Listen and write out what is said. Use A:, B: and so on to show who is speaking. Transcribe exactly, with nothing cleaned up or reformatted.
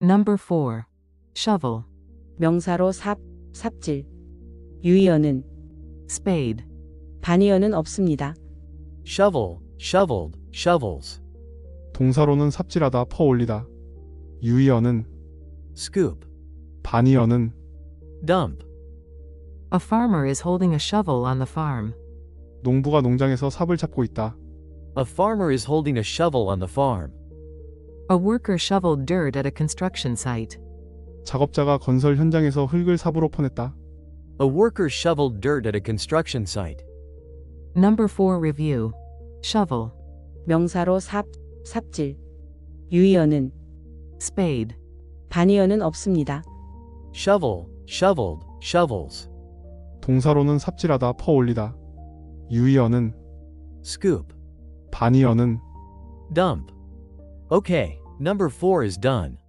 A: Number four. Shovel.
B: 명사로 삽, 삽질. 유의어는
A: Spade.
B: 반의어는 없습니다.
C: shovel, shoveled, shovels.
D: 동사로는 삽질하다, 퍼올리다. 유의어는
C: scoop,
D: 반의어는
C: dump.
A: A farmer is holding a shovel on the farm.
D: 농부가 농장에서 삽을 잡고 있다.
C: A farmer is holding a shovel on the farm.
A: A worker shoveled dirt at a construction site.
D: 작업자가 건설 현장에서 흙을 삽으로 퍼냈다.
C: A worker shoveled dirt at a construction site.
A: Number four. Review. Shovel.
B: 명사로 삽, 삽질. 유의어는
A: Spade.
B: 반의어는 없습니다.
C: shovel, shoveled, shovels.
D: 동사로는 삽질하다, 퍼올리다. 유의어는
C: scoop,
D: 반의어는
C: dump. Okay, number four is done.